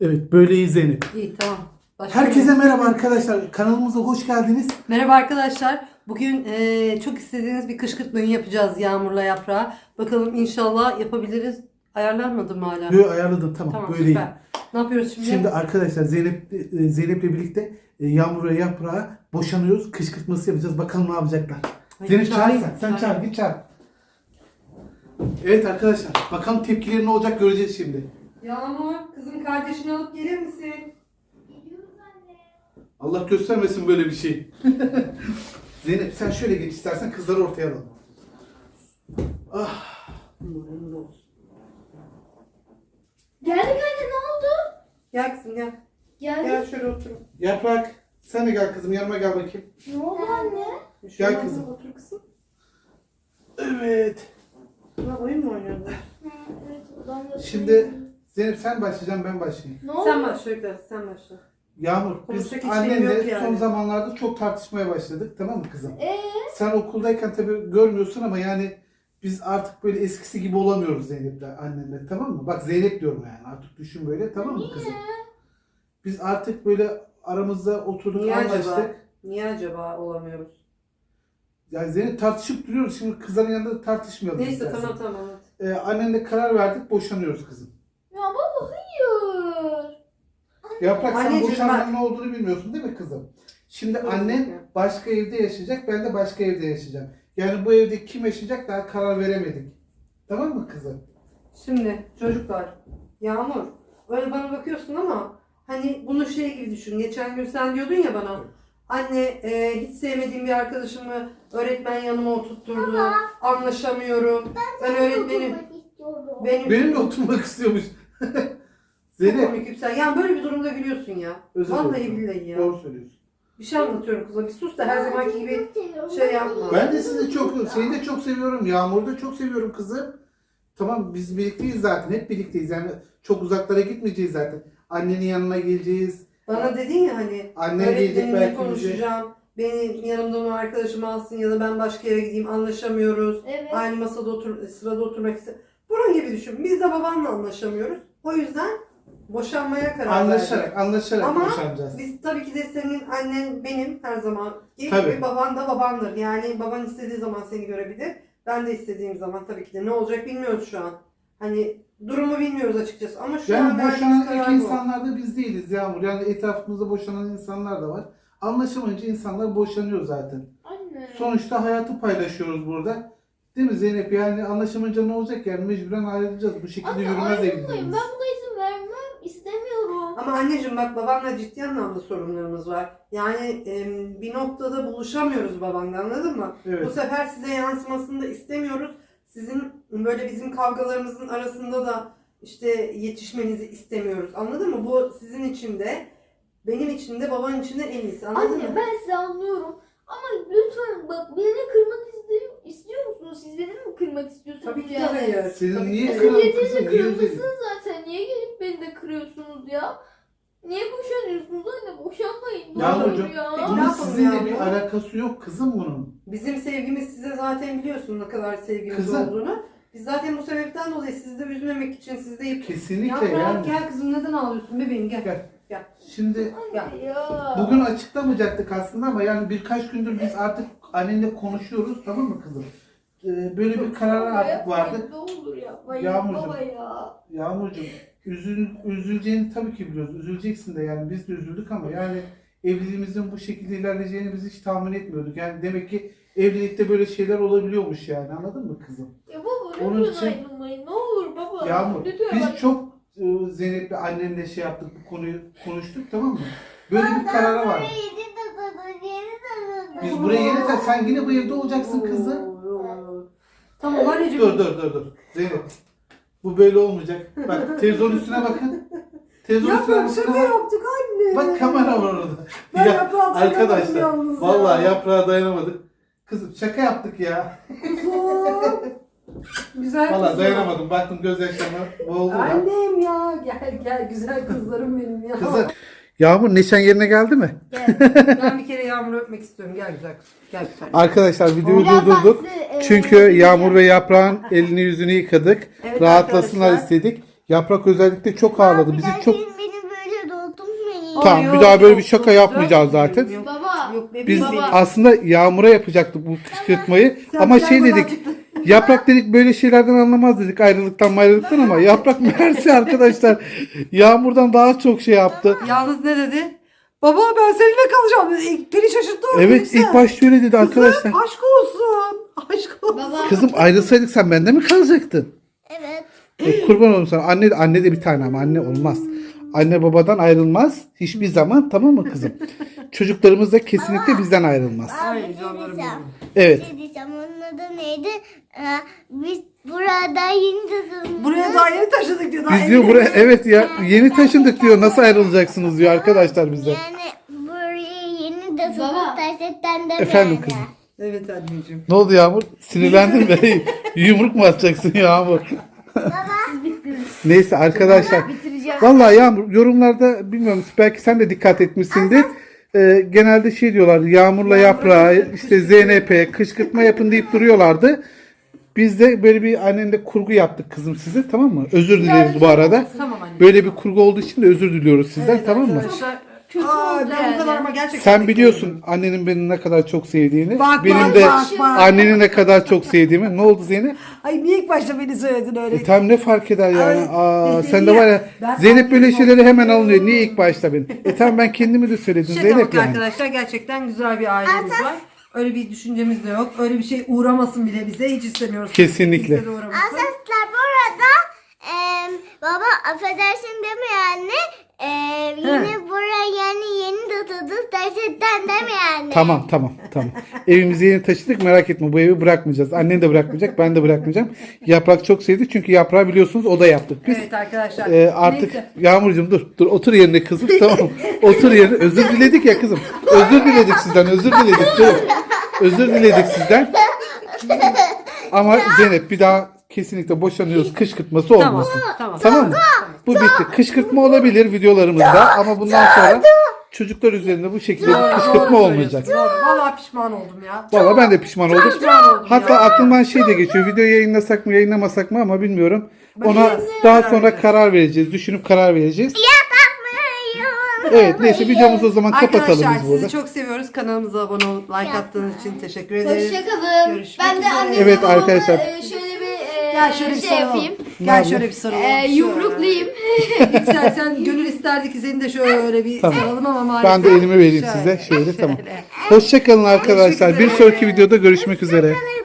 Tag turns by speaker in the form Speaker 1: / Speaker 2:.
Speaker 1: Evet, böyleyiz Zeynep.
Speaker 2: İyi, tamam. Başlayalım.
Speaker 1: Herkese merhaba arkadaşlar. Kanalımıza hoş geldiniz.
Speaker 2: Merhaba arkadaşlar. Bugün çok istediğiniz bir kışkırtmayı yapacağız Yağmur'la Yaprağa. Bakalım inşallah yapabiliriz. Ayarlanmadı mı hala?
Speaker 1: Böyle ayarladım, tamam,
Speaker 2: Tamam,
Speaker 1: böyleyim.
Speaker 2: süper. Ne yapıyoruz şimdi?
Speaker 1: Şimdi arkadaşlar Zeynep'le birlikte Yağmur ve Yaprağa boşanıyoruz. Kışkırtması yapacağız. Bakalım ne yapacaklar.
Speaker 2: Ay,
Speaker 1: Zeynep çağır
Speaker 2: çağırayım,
Speaker 1: sen. Sen
Speaker 2: çağırayım.
Speaker 1: çağır, git çağır. Evet arkadaşlar, bakalım tepkileri ne olacak göreceğiz şimdi.
Speaker 2: Yağmur, kızım kardeşini alıp gelir misin?
Speaker 1: Allah göstermesin böyle bir şey. Zeynep sen şöyle geç istersen, kızları ortaya alalım. Ah.
Speaker 3: Geldik anne, ne oldu?
Speaker 2: Gel kızım gel.
Speaker 3: Geldik.
Speaker 2: Gel şöyle otur.
Speaker 1: Yaprak sen de gel kızım, yanıma gel bakayım.
Speaker 3: Ne oldu anne?
Speaker 1: Gel kızım.
Speaker 2: Otur kızım.
Speaker 1: Evet.
Speaker 2: Ya, oyun mu oynuyordun?
Speaker 3: Evet, odamda.
Speaker 1: Şimdi Zeynep sen başlayacaksın, ben başlayayım.
Speaker 3: Ne oldu?
Speaker 2: Sen başla Öykü, sen başla.
Speaker 1: Yağmur, biz
Speaker 2: Konuşacak hiç şeyim
Speaker 1: annenle
Speaker 2: yok yani.
Speaker 1: son zamanlarda çok tartışmaya başladık, tamam mı kızım?
Speaker 3: Ee?
Speaker 1: Sen okuldayken tabii görmüyorsun ama yani biz artık böyle eskisi gibi olamıyoruz Zeynep'le, annenle, tamam mı? Bak Zeynep diyorum yani, artık düşün böyle, tamam mı kızım? Biz artık böyle aramızda oturduk,
Speaker 2: Niye
Speaker 1: anlaştık.
Speaker 2: acaba? Niye acaba olamıyoruz?
Speaker 1: Yani Zeynep tartışıp duruyoruz, şimdi kızların yanında da tartışmayalım.
Speaker 2: Neyse
Speaker 1: istersen.
Speaker 2: tamam. Evet.
Speaker 1: Annenle karar verdik, boşanıyoruz kızım.
Speaker 3: Ya baba hayır.
Speaker 1: Yaprak sen
Speaker 2: Anneciğim
Speaker 1: boşanmanın
Speaker 2: bak.
Speaker 1: ne olduğunu bilmiyorsun değil mi kızım? Şimdi
Speaker 2: Doğru.
Speaker 1: annen başka evde yaşayacak, ben de başka evde yaşayacağım. Yani bu evde kim yaşayacak daha karar veremedik. Tamam mı kızım?
Speaker 2: Şimdi çocuklar, Yağmur, öyle bana bakıyorsun ama hani bunu şey gibi düşün. Geçen gün sen diyordun ya bana, anne hiç sevmediğim bir arkadaşımı öğretmen yanıma oturtturdu, anlaşamıyorum. Ben öğretmenim, benim
Speaker 1: Benimle oturmak istiyormuş.
Speaker 2: çok
Speaker 1: Zeynep,
Speaker 2: komik Yüksel. Yani böyle bir durumda gülüyorsun ya.
Speaker 1: özür
Speaker 2: Vallahi
Speaker 1: dilerim.
Speaker 2: billahi ya.
Speaker 1: Doğru söylüyorsun.
Speaker 2: Bir şey anlatıyorum kıza. Bir sus da her zamanki gibi şey yapma.
Speaker 1: Ben de sizi çok, seni de çok seviyorum. Yağmur'u da çok seviyorum kızım. Tamam, biz birlikteyiz zaten. Hep birlikteyiz. Yani çok uzaklara gitmeyeceğiz zaten. Annenin yanına geleceğiz.
Speaker 2: Bana dedin ya hani
Speaker 1: Annen gelecek
Speaker 2: öğretmenimle
Speaker 1: belki bize.
Speaker 2: konuşacağım. Beni yanımdan o arkadaşımı alsın ya da ben başka yere gideyim, anlaşamıyoruz.
Speaker 3: Evet.
Speaker 2: Aynı masada sırada oturmak istiyorum. Bunun gibi düşün. Biz de babamla anlaşamıyoruz. O yüzden boşanmaya karar verdik.
Speaker 1: Anlaşarak
Speaker 2: Ama
Speaker 1: boşanacağız.
Speaker 2: biz tabii ki de senin annen benim her zaman
Speaker 1: Tabii.
Speaker 2: gibi, baban da babandır. Yani baban istediği zaman seni görebilir. Ben de istediğim zaman tabii ki de ne olacak bilmiyoruz şu an. Hani durumu bilmiyoruz açıkçası ama şu
Speaker 1: Yani
Speaker 2: an verdiğimiz
Speaker 1: boşanan ilk
Speaker 2: karar bu.
Speaker 1: insanlar da biz değiliz Yağmur. Yani etrafımızda boşanan insanlar da var. Anlaşamayınca insanlar boşanıyor zaten.
Speaker 3: Anne.
Speaker 1: Sonuçta hayatı paylaşıyoruz burada. Değil mi Zeynep? Yani anlaşamayınca ne olacak yani? Mecburen ayrılacağız. Bu şekilde
Speaker 3: Anne
Speaker 1: yürümez
Speaker 3: ayrılmayın.
Speaker 1: evliliğimiz.
Speaker 3: Ben buna izin vermem. İstemiyorum.
Speaker 2: Ama anneciğim bak, babamla ciddi anlamda sorunlarımız var. Yani bir noktada buluşamıyoruz babanla, anladın mı?
Speaker 1: Evet.
Speaker 2: Bu sefer size yansımasını da istemiyoruz. Sizin böyle bizim kavgalarımızın arasında da işte yetişmenizi istemiyoruz. Anladın mı? Bu sizin için de, benim için de, baban için de en iyisi. Anladın
Speaker 3: Anne
Speaker 2: mı?
Speaker 3: ben sizi anlıyorum. Ama lütfen bak, beni kırmak istiyor musunuz? Siz beni mi kırmak istiyorsunuz?
Speaker 2: Tabii ki de
Speaker 3: yani?
Speaker 2: hayır.
Speaker 1: Senin
Speaker 2: Tabii
Speaker 1: niye
Speaker 2: ki de.
Speaker 1: kırıldı?
Speaker 3: Siz
Speaker 1: kızım,
Speaker 3: yeterince
Speaker 1: niye
Speaker 3: kırılmışsınız zaten. Niye gelip beni de kırıyorsunuz ya? Niye boşanıyorsunuz anne? Boşanmayın. Ne
Speaker 1: Yağmurcuğum,
Speaker 3: olur ya.
Speaker 2: peki ne
Speaker 1: bunun
Speaker 2: yapalım
Speaker 1: sizinle
Speaker 2: ya?
Speaker 1: bir alakası yok kızım bunun.
Speaker 2: Bizim sevgimiz size zaten, biliyorsun ne kadar sevgimiz
Speaker 1: Kızım.
Speaker 2: olduğunu. Biz zaten bu sebepten dolayı sizi de üzmemek için, sizi de
Speaker 1: Kesinlikle
Speaker 2: Yaprak,
Speaker 1: yani.
Speaker 2: gel kızım, neden ağlıyorsun bebeğim, gel.
Speaker 1: Gel. Şimdi
Speaker 3: Anne ya.
Speaker 1: bugün açıklamayacaktık aslında ama yani birkaç gündür biz artık annenle konuşuyoruz, tamam mı kızım? Böyle bir karar artık vardı.
Speaker 3: Ne olur yapmayın
Speaker 1: Yağmurcuğum.
Speaker 3: baba ya.
Speaker 1: Yağmurcuğum, üzüleceğini tabii ki biliyoruz. Üzüleceksin de yani, biz de üzüldük ama yani evliliğimizin bu şekilde ilerleyeceğini biz hiç tahmin etmiyorduk. Yani demek ki evlilikte böyle şeyler olabiliyormuş yani, anladın mı kızım?
Speaker 3: Ya baba
Speaker 1: Onun
Speaker 3: lütfen
Speaker 1: için-
Speaker 3: ayrılmayın. Ne olur baba.
Speaker 1: Yağmur,
Speaker 3: Lütfen
Speaker 1: biz
Speaker 3: bak.
Speaker 1: çok Zeynep'le annenle şey yaptık, bu konuyu konuştuk, tamam mı? Böyle bir karara vardık. Biz buraya gelirken sen yine bu evde olacaksın kızım.
Speaker 2: Tamam anneciğim.
Speaker 1: Dur. Zeynep. Bu böyle olmayacak. Bak televizyonun üstüne bakın. Televizyonun üstüne
Speaker 2: Yaprak, şaka
Speaker 1: bakın.
Speaker 2: yaptık anne.
Speaker 1: Bak kamera var orada.
Speaker 2: Ben
Speaker 1: Ya,
Speaker 2: yaprağı dayanamadım
Speaker 1: arkadaşlar
Speaker 2: yalnız ya.
Speaker 1: vallahi yaprağa dayanamadık. Kızım şaka yaptık ya.
Speaker 2: Kuzum. Güzel
Speaker 1: Vallahi
Speaker 2: kızım.
Speaker 1: dayanamadım. Baktım gözyaşlarıma boğuldu da.
Speaker 2: Annem ya. Gel güzel kızlarım benim ya.
Speaker 1: Kızım. Yağmur neşen yerine geldi mi?
Speaker 2: Gel. Ben bir kere Yağmur'u öpmek istiyorum. Gel güzel kızım. Gel bir tane.
Speaker 1: Arkadaşlar videoyu
Speaker 3: Biraz
Speaker 1: durdurduk.
Speaker 3: ben size,
Speaker 1: Çünkü Yağmur ve Yaprağın elini yüzünü yıkadık.
Speaker 2: Evet
Speaker 1: Rahatlasınlar
Speaker 2: arkadaşlar.
Speaker 1: istedik. Yaprak özellikle çok ağladı. Bizi çok...
Speaker 3: Beni
Speaker 1: Tamam, bir daha böyle bir şaka yapmayacağız zaten.
Speaker 3: Baba.
Speaker 2: Yok bebeğim.
Speaker 1: Biz
Speaker 3: Baba.
Speaker 1: aslında Yağmur'a yapacaktık bu kışkırtmayı
Speaker 2: Sen
Speaker 1: ama
Speaker 2: bir
Speaker 1: şey
Speaker 2: hayvan
Speaker 1: dedik.
Speaker 2: çıktın.
Speaker 1: Yaprak dedik böyle şeylerden anlamaz dedik, ayrılıktan ama Yaprak meğerse arkadaşlar Yağmur'dan daha çok şey yaptı.
Speaker 2: Yalnız ne dedi? Baba ben seninle kalacağım dedi. Beni şaşırttı o.
Speaker 1: Evet,
Speaker 2: Neyse.
Speaker 1: ilk başta öyle dedi arkadaşlar.
Speaker 2: Kızım aşk olsun. Aşk olsun.
Speaker 3: Baba.
Speaker 1: Kızım ayrılsaydık sen bende mi kalacaktın?
Speaker 4: Evet.
Speaker 1: Kurban olun sana. Anne de bir tane ama anne olmaz. Anne babadan ayrılmaz hiçbir zaman, tamam mı kızım? Çocuklarımız da kesinlikle bizden ayrılmaz.
Speaker 2: Ay
Speaker 4: Bir şey
Speaker 2: canlarım
Speaker 4: diyeceğim.
Speaker 2: benim.
Speaker 1: Evet.
Speaker 4: Bir şey diyeceğim. Onun adı neydi? Biz burada yeni taşındık.
Speaker 2: Buraya daha yeni taşıdık diyor. Daha
Speaker 1: Biz diyor buraya evet ya yeni taşındık diyor. Nasıl ayrılacaksınız diyor arkadaşlar bize.
Speaker 4: Yani buraya yeni taşındık.
Speaker 3: Baba.
Speaker 4: Gerçekten de
Speaker 1: Efendim
Speaker 4: yani.
Speaker 1: kızım.
Speaker 2: Evet anneciğim.
Speaker 1: Ne oldu Yağmur? Sinirlendin mi? Yumruk mu atacaksın Yağmur? Neyse arkadaşlar.
Speaker 3: Bitireceğim.
Speaker 1: Vallahi Yağmur yorumlarda bilmiyorum belki sen de dikkat etmişsindir. Genelde şey diyorlar Yağmur'la Yaprağı işte ZNP kışkırtma yapın deyip duruyorlardı. Biz de böyle bir annenle kurgu yaptık kızım size, tamam mı? Özür dileriz bu arada.
Speaker 2: Tamam anne.
Speaker 1: Böyle bir kurgu olduğu için de özür diliyoruz sizden,
Speaker 2: Evet
Speaker 1: tamam mı?
Speaker 2: arkadaşlar.
Speaker 3: Kötü
Speaker 2: Aa,
Speaker 3: oldu
Speaker 2: ben bu kadar
Speaker 3: yani.
Speaker 2: ama gerçekten
Speaker 1: Sen biliyorsun annenin beni ne kadar çok sevdiğini.
Speaker 2: Bak,
Speaker 1: benim
Speaker 2: bak,
Speaker 1: de
Speaker 2: bak, bak.
Speaker 1: anneni ne kadar çok sevdiğimi. Ne oldu Zeynep?
Speaker 2: Ay niye ilk başta beni söyledin öyle?
Speaker 1: Tam ne fark eder yani?
Speaker 2: Ay,
Speaker 1: Aa,
Speaker 2: dedi
Speaker 1: sen de
Speaker 2: ya,
Speaker 1: var ya
Speaker 2: ben
Speaker 1: Zeynep böyle
Speaker 2: annenim
Speaker 1: şeyleri hemen
Speaker 2: oldum.
Speaker 1: alınıyor. Niye ilk başta benim? Tamam ben kendimi de söyledim
Speaker 2: Şaka
Speaker 1: Zeynep
Speaker 2: bak
Speaker 1: yani.
Speaker 2: arkadaşlar, gerçekten güzel bir ailemiz var. Öyle bir düşüncemiz de yok. Öyle bir şey uğramasın bile bize. Hiç istemiyoruz.
Speaker 1: Kesinlikle.
Speaker 2: Kimse de uğramasın.
Speaker 4: Arkadaşlar bu arada baba affedersin değil mi yani? Yine buraya yeni taşındık. Gerçekten değil mi yani?
Speaker 1: Tamam. Evimize yeni taşıdık, merak etme bu evi bırakmayacağız. Annen de bırakmayacak, ben de bırakmayacağım. Yaprak çok sevdi çünkü Yaprağı biliyorsunuz o da yaptık biz.
Speaker 2: Evet arkadaşlar.
Speaker 1: Artık
Speaker 2: Neyse.
Speaker 1: Yağmurcuğum dur otur yerine kızım, tamam. Otur yerine, özür diledik ya kızım. Özür diledik sizden, dur. Özür diledik sizden. Ama Zeynep bir daha kesinlikle boşanıyoruz kışkırtması olmasın.
Speaker 2: Tamam.
Speaker 1: Mı? Bu bitti. Kışkırtma olabilir videolarımızda ama bundan sonra çocuklar üzerinde bu şekilde bir kışkırtma
Speaker 2: Doğru
Speaker 1: olmayacak.
Speaker 2: söylüyorsun, doğru. Vallahi pişman oldum ya.
Speaker 1: Valla ben de pişman oldum.
Speaker 2: Pişman oldum
Speaker 1: Hatta
Speaker 2: ya.
Speaker 1: aklımdan şey de geçiyor. Videoyu yayınlasak mı yayınlamasak mı ama bilmiyorum. Ona daha sonra karar vereceğiz. Düşünüp karar vereceğiz. Evet neyse videomuzu o zaman kapatalım
Speaker 2: Arkadaşlar
Speaker 1: biz burada.
Speaker 2: sizi çok seviyoruz. Kanalımıza abone olup like attığınız için teşekkür ederiz.
Speaker 3: Hoşçakalın.
Speaker 2: Görüşmek
Speaker 3: Ben de
Speaker 2: üzere.
Speaker 3: annemi
Speaker 1: Evet
Speaker 3: babamı,
Speaker 1: arkadaşlar.
Speaker 3: Şöyle bir
Speaker 2: Gel şöyle bir
Speaker 3: şey
Speaker 2: sarılalım.
Speaker 3: yapayım.
Speaker 2: Gel şöyle bir sarılalım.
Speaker 3: Yumruklayayım.
Speaker 2: Yüksel sen gönül isterdi ki seni de şöyle bir
Speaker 1: Tamam.
Speaker 2: saralım ama maalesef.
Speaker 1: Ben de elimi vereyim size. Şöyle tamam. Hoşçakalın arkadaşlar. Bir sonraki videoda görüşmek üzere.